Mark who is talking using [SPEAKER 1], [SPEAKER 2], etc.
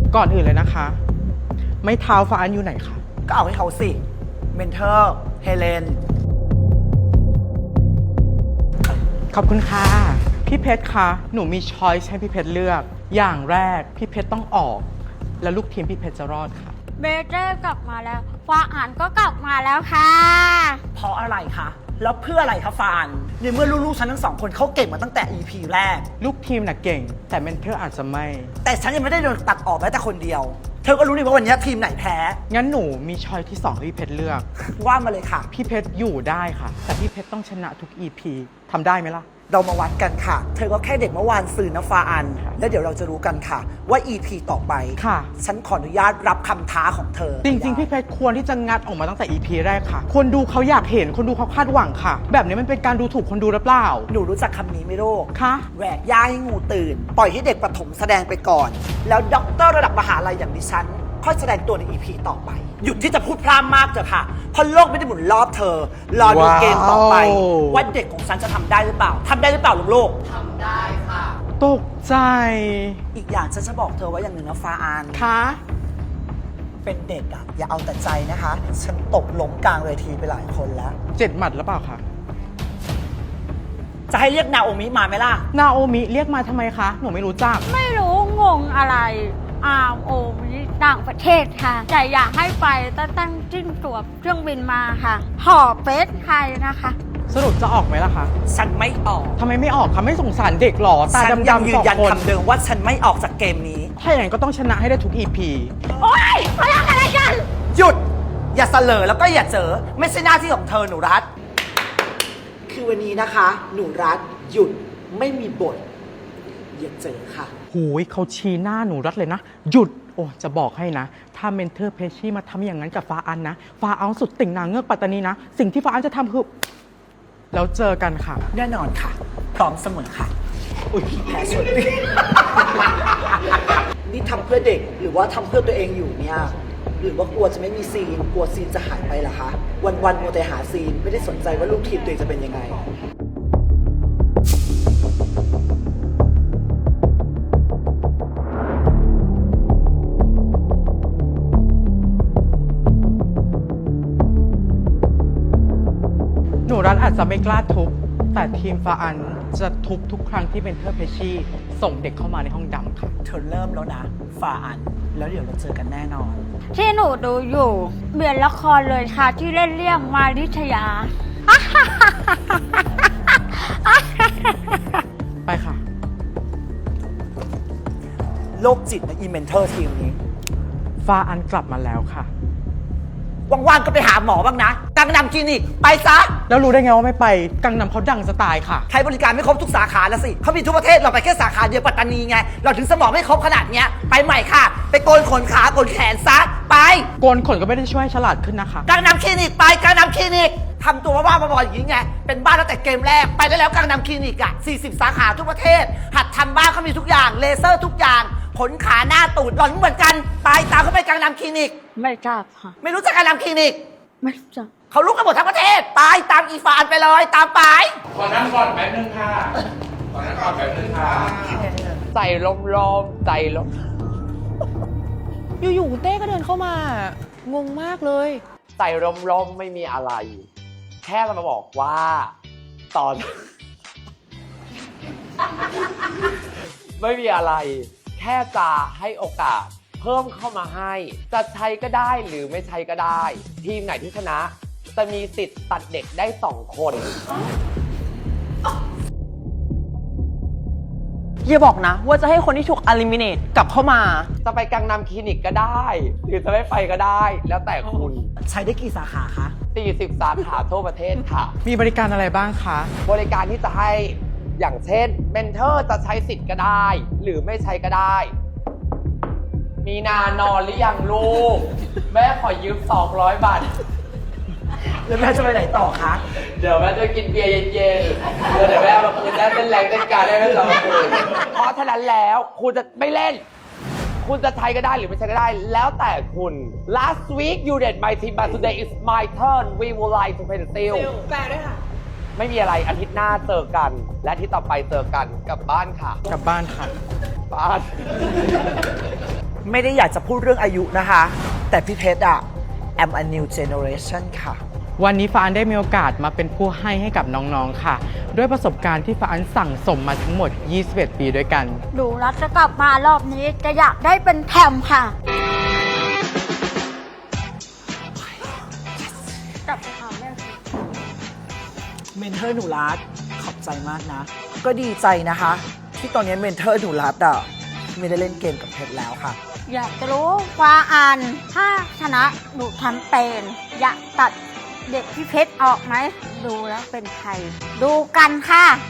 [SPEAKER 1] ก่อนอื่นเลยนะคะ ไม่เท้าฟ้าอันอยู่ไหนคะ
[SPEAKER 2] ก็เอาให้เขาสิ เมนเทอร์ เฮเลน
[SPEAKER 1] ขอบคุณค่ะ พี่เพชรคะ หนูมีช้อยส์ให้พี่เพชรเลือก อย่างแรกพี่เพชรต้องออก แล้วลูกทีมพี่เพชรจะรอดค่ะ
[SPEAKER 3] เบเต้กลับมาแล้วฟ้าอ่านก็กลับมาแล้วค่ะ
[SPEAKER 2] เพราะอะไรคะ แล้วเพื่ออะไรคะฟานในเมื่อลูกๆฉันทั้งสองคนเขาเก่งมาตั้งแต่ EP แรก
[SPEAKER 1] ลูกทีมน่ะเก่ง แต่เมนเทอร์อาจจะไม่
[SPEAKER 2] แต่ฉันยังไม่ได้โดนตัดออกแม้แต่คนเดียว เธอก็รู้นี่ว่าวันนี้ทีมไหนแพ้
[SPEAKER 1] งั้นหนูมีช้อยที่2ให้พี่เพชรเลือก
[SPEAKER 2] ว่ามาเลยค่ะ
[SPEAKER 1] พี่เพชรอยู่ได้ค่ะ แต่พี่เพชรต้องชนะทุก EP ทำได้ไหมล่ะ
[SPEAKER 2] เรามาวัดกันค่ะ เธอก็แค่เด็กเมื่อวานสื่อนะฟาอัน แล้วเดี๋ยวเราจะรู้กันค่ะ ว่า EP ต่อไป
[SPEAKER 1] ค่ะ
[SPEAKER 2] ฉันขออนุญาตรับคำท้าของเธอ
[SPEAKER 1] จริง ๆ พี่เพชรควรที่จะงัดออกมาตั้งแต่ EP แรกค่ะ คนดูเขาอยากเห็น คนดูเขาคาดหวังค่ะ แบบนี้มันเป็นการดูถูกคนดูหรือเปล่า
[SPEAKER 2] หนูรู้จักคำนี้ไหมลูก
[SPEAKER 1] คะ
[SPEAKER 2] แหวกย่าให้งูตื่น ปล่อยให้เด็กประถมแสดงไปก่อน แล้วด็อกเตอร์ระดับมหาลัยอย่างดิฉัน ค่อยแสดงตัวใน EP ต่อไป หยุดที่จะพูดพร่ำมากเถอะค่ะ เพราะโลกไม่ได้หมุนรอบเธอ รอดูเกมต่อไป ว่าเด็กของฉันจะทำได้หรือเปล่าทำได้หรือเปล่าลูก
[SPEAKER 1] ตกใจ
[SPEAKER 2] ๆอีกอย่างฉันจะบอกเธอว่าอย่างหนึ่งนะฟ้าอาน
[SPEAKER 1] คะ
[SPEAKER 2] เป็นเด็กอะอย่าเอาแต่ใจนะคะ ฉันตกล้มกลางเวทีไปหลายคนแล้ว
[SPEAKER 1] 7 หมัดหรือเปล่าคะ
[SPEAKER 2] จะให้เรียกนาโอมิมาไหมล่ะ
[SPEAKER 1] นาโอมิเรียกมาทำไมคะ หนูไม่รู้จัก
[SPEAKER 3] ไม่รู้งงอะไรโอมิต่างประเทศค่ะ แต่อยากให้ไปตั้งจิ้นตัวเครื่องบินมาค่ะ ห่อเฟสไทยนะคะ
[SPEAKER 1] สรุปจะออกไหมล่ะคะ
[SPEAKER 2] ฉันไม่ออก
[SPEAKER 1] ทำไมไม่ออกคะไม่สงสารเด็กหรอ ตา
[SPEAKER 2] ฉันยัง
[SPEAKER 1] ดำ
[SPEAKER 2] ยื
[SPEAKER 1] ๆส
[SPEAKER 2] น
[SPEAKER 1] อง
[SPEAKER 2] ยัน
[SPEAKER 1] คน
[SPEAKER 2] คำเดิมว่าฉันไม่ออกจากเกมนี้
[SPEAKER 1] ถ้าอย่างนั้นก็ต้องชนะให้ได้ทุก EP
[SPEAKER 3] โอ๊ยมาทำอะไรกัน
[SPEAKER 2] หยุด อย่าเสลอแล้วก็อย่าเจอ ไม่ใช่หน้าที่ของเธอหนูรัฐ คือวันนี้นะคะ หนูรัฐหยุดไม่มีบท อย่าเจอค่ะ
[SPEAKER 1] หูยเขาชี้หน้าหนูรัดเลยนะ หยุด โอ้จะบอกให้นะ ถ้าเมนเทอร์เพชชี่มาทำอย่างนั้นกับฟ้าอันนะ ฟ้าเอาสุดติ่งนางเงือกปัตตานีนะ สิ่งที่ฟ้าอันจะทำคือ แล้วเจอกันค่ะ
[SPEAKER 2] แน่นอนค่ะ พร้อมเสมอค่ะ อุ้ยแพ้สุด นี่ทำเพื่อเด็กหรือว่าทำเพื่อตัวเองอยู่เนี่ย หรือว่ากลัวจะไม่มีซีน กลัวซีนจะหายไปล่ะคะ วันๆมัวแต่หาซีน ไม่ได้สนใจว่าลูกทีมตัวเองจะเป็นยังไง
[SPEAKER 1] หนูรัฐอาจจะไม่กล้าทุบ แต่ทีมฟ้าอันจะทุบทุกครั้งที่เมนเทอร์เพชชี่ส่งเด็กเข้ามาในห้องดำค่ะ
[SPEAKER 2] เธอเริ่มแล้วนะฝ่าอัน แล้วเดี๋ยวเราเจอกันแน่นอน
[SPEAKER 3] ที่หนูดูอยู่เปลี่ยนละครเลยค่ะ ที่เล่นเรื่องมาริชยา
[SPEAKER 1] ไปค่ะ
[SPEAKER 2] โรคจิตนะอีเมนเทอร์ทีมนี้
[SPEAKER 1] ฟ้าอันกลับมาแล้วค่ะ
[SPEAKER 2] ว่างๆก็ไปหาหมอบ้างนะกังนำคลินิก ไปซะ
[SPEAKER 1] แล้วรู้ได้ไงว่าไม่ไป กังนำเขาดังจะตายค่ะ
[SPEAKER 2] ใช้บริการไม่ครบทุกสาขาแล้วสิ เขามีทุกประเทศ เราไปแค่สาขาเดียวปัตตานีไง เราถึงสมองไม่ครบขนาดเนี้ย ไปใหม่ค่ะ ไปโกนขนขาโกนแขนซะ ไป
[SPEAKER 1] โกนขนก็ไม่ได้ช่วยให้ฉลาดขึ้นนะคะ
[SPEAKER 2] กังนำคลินิกไปกังนำคลินิกทำตัวบ้าๆบอๆอย่างนี้ไง เป็นบ้าตั้งแต่เกมแรก ไปได้แล้วกังนำคลินิกอ่ะ40 สาขาทุกประเทศ หัดทำบ้างเขามีทุกอย่าง เลเซอร์ทุกอย่าง ขนขาหน้าตูดหล่อนเหมือนกัน ไปตามเขาไปกังนำคลินิก
[SPEAKER 3] ไม่ทราบค่ะ
[SPEAKER 2] ไม่รู้จักกังนำคลินิก
[SPEAKER 3] ไม่รู้จัก
[SPEAKER 2] เขาลุกกันหมดทั้งประเทศ ไปตามอีฟานไปเลย ตามไป
[SPEAKER 4] ขอนั่งก่อนแป๊บนึงค่ะ ขอนั่งก่อนแป๊บนึงค่ะ
[SPEAKER 5] ใจลมๆใจลม
[SPEAKER 6] อยู่ๆคุณเต้ก็เดินเข้ามา งงมากเลย
[SPEAKER 5] ใจลมๆไม่มีอะไร แค่จะมาบอกว่า ตอน ไม่มีอะไร แค่จะให้โอกาส เพิ่มเข้ามาให้ จะใช้ก็ได้หรือไม่ใช้ก็ได้ ทีมไหนที่ชนะ จะมีสิทธิ์ตัดเด็กได้ 2 คน
[SPEAKER 6] อย่าบอกนะ ว่าจะให้คนที่ถูก eliminate กลับเข้ามา
[SPEAKER 5] จะไปกังนำคลินิกก็ได้ หรือจะไม่ไปก็ได้ แล้วแต่คุณ
[SPEAKER 2] ใช้ได้กี่สาขาคะ
[SPEAKER 5] 40 สาขาทั่วประเทศค่ะ
[SPEAKER 1] มีบริการอะไรบ้างคะ
[SPEAKER 5] บริการที่จะให้อย่างเช่นเมนเทอร์จะใช้สิทธิ์ก็ได้ หรือไม่ใช้ก็ได้ มีนานอนหรือยังลูก แม่ขอยืม200 บาท
[SPEAKER 2] แล้วแม่จะไปไหนต่อคะ
[SPEAKER 5] เดี๋ยวแม่จะกินเบียร์เย็นๆเดี๋ยวแม่มาคืนได้เป็นแรงเต้นการได้ไม่สองคืนเพราะฉะนั้นแล้วคุณจะไม่เล่น คุณจะใช้ก็ได้หรือไม่ใช้ก็ได้ แล้วแต่คุณ last week you did my team but today is my turn we would like to pencil
[SPEAKER 6] แปลด้วยค่ะ
[SPEAKER 5] ไม่มีอะไรอาทิตย์หน้าเจอกัน และอาทิตย์ต่อไปเจอกันกลับบ้านค่ะ
[SPEAKER 1] กลับบ้านค่ะ
[SPEAKER 5] บ้าน
[SPEAKER 2] ไม่ได้อยากจะพูดเรื่องอายุนะคะ แต่พี่เพชรam a new generation ค่ะ
[SPEAKER 1] วันนี้ฟ้าอันได้มีโอกาสมาเป็นผู้ให้กับน้องๆค่ะ ด้วยประสบการณ์ที่ฟ้าอันสั่งสมมาทั้งหมด 21 ปีด้วยกัน
[SPEAKER 3] ดูแล้วจะกลับมารอบนี้จะอยากได้เป็นแถมค่ะกลับไปถามแม่สิ
[SPEAKER 2] เมนเทอร์หนูรัตขอบใจมากนะ ก็ดีใจนะคะ ที่ตอนนี้เมนเทอร์หนูรัตไม่ได้เล่นเกมกับเพชรแล้วค่ะ
[SPEAKER 3] อยากจะรู้ว่าอ่านถ้าชนะหนูทำเป็นอยากตัดเด็กพี่เพชรออกไหม ดูแล้วเป็นใคร ดูกันค่ะ